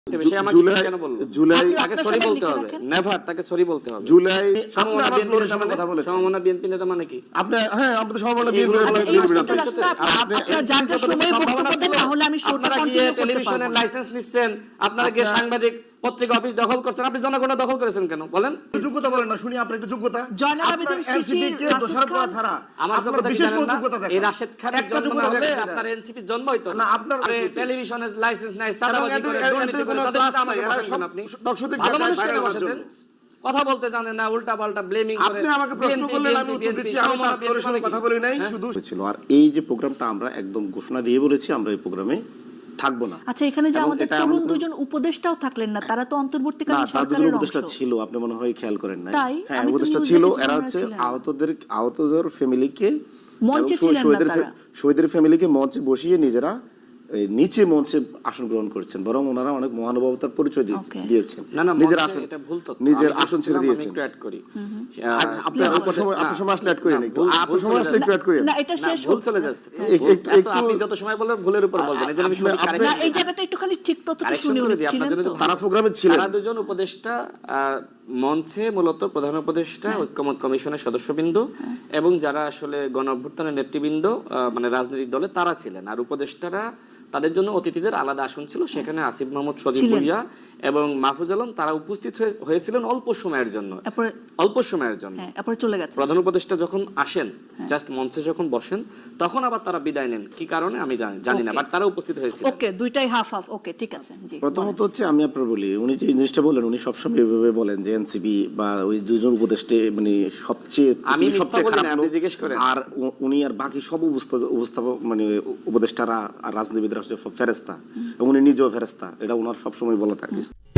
জুলাই তাকে সরি বলতে হবে, নেভার তাকে সরি বলতে হবে। জুলাই সমমনা বিএনপি নেতা মানে কি? আপনি হ্যাঁ আপনি তো সমমনা বিএনপি আপনারা গিয়ে টেলিভিশনের লাইসেন্স নিচ্ছেন, আপনারা গিয়ে সাংবাদিক পত্রিকা অফিস দখল করছেন, আপনি জনগণ দখল করেছেন কেন বলেন? যোগ্যতা বলেন না, শুনি আপনার একটু যোগ্যতা। আমার যোগ্যতা কি জানেন না? এই রাশেদ খানের জন্ম না হলে আপনার এনসিপি জন্ম হইতো না। আপনার টেলিভিশনের লাইসেন্স নাই, সাদাবাজি করে, দুর্নীতি করে, তাদের সাথে আমাকে বসাতেন আপনি। ভালো মানুষ কেন বসাতেন? কথা বলতে জানেন না, উল্টা পাল্টা ব্লেমিং করে। আপনি আমাকে প্রশ্ন করলেন, আমি উত্তর দিচ্ছি। আমি আপনার সঙ্গে কথা বলি নাই, শুধু ছিল। আর এই যে প্রোগ্রামটা আমরা একদম ঘোষণা দিয়ে বলেছি আমরা এই প্রোগ্রামে থাকবো না। আচ্ছা, এখানে যে আমাদের তরুণ দুজন উপদেষ্টাও থাকলেন না, তারা তো অন্তর্বর্তীকালীন সরকারের উপদেষ্টা ছিল, আপনি মনে হয় খেয়াল করেন নাই। হ্যাঁ, উপদেষ্টা ছিল, এরা হচ্ছে আহতদের ফ্যামিলিকে মঞ্চে ছিলেন না, তারা শহীদের ফ্যামিলিকে মঞ্চে বসিয়ে নিজেরা নিচে মঞ্চে আসন গ্রহণ করেছেন, বরং ওনারা অনেক মহানুভবতার পরিচয় দিয়েছেন। নিজের আসন, এটা ভুল তথ্য, নিজের আসন ছেড়ে দিয়েছেন। একটু অ্যাড করি, আপনি সময় আসলে অ্যাড করেন, একটু আপনি সময় আসলে একটু অ্যাড করেন না, এটা শেষ ভুল চলে যাচ্ছে। আপনি যত সময় বলবেন ভুলের উপর বলবেন, এজন্য আমি শুনি না, এই জায়গাটা একটু খালি ঠিক তথ্যটা শুনি। তারা প্রোগ্রামে ছিলেন, তারা দুজন উপদেষ্টা মঞ্চে, মূলত প্রধান উপদেষ্টা, ঐক্যমত কমিশনের সদস্যবৃন্দ এবং যারা আসলে গণ অভ্যুত্থানের নেতৃবৃন্দ, মানে রাজনৈতিক দলে তারা ছিলেন। আর উপদেষ্টারা তাদের জন্য অতিথিদের আলাদা আসন ছিল, সেখানে আসিফ মাহমুদ সজীব ভুইয়া এবং মাহফুজ আলম তারা উপস্থিত হয়েছিলেন অল্প সময়ের জন্য, চলে গেছে। প্রধান উপদেষ্টা যখন আসেন, জাস্ট মঞ্চে যখন বসেন, তখন আবার তারা বিদায় নেন। কি কারণে আমি জানি না, বাট তারা উপস্থিত হয়েছিল। ওকে, দুইটাই হাফ হাফ। ওকে, ঠিক আছে। জি, প্রথমত হচ্ছে আমি আপনার বলি, উনি যে জিনিসটা বলেন, উনি সবসময় এভাবে বলেন যে এনসিপি বা ওই দুজন উপদেষ্টা মানে সবচেয়ে খারাপ, জিজ্ঞেস করেন। আর উনি আর বাকি সব উপস্থাপক মানে উপদেষ্টারা আর রাজনীতিবিদরা হচ্ছে ফেরেস্তা, এবং উনি নিজেও ফেরেস্তা, এটা ওনার সবসময় বলা থাকে।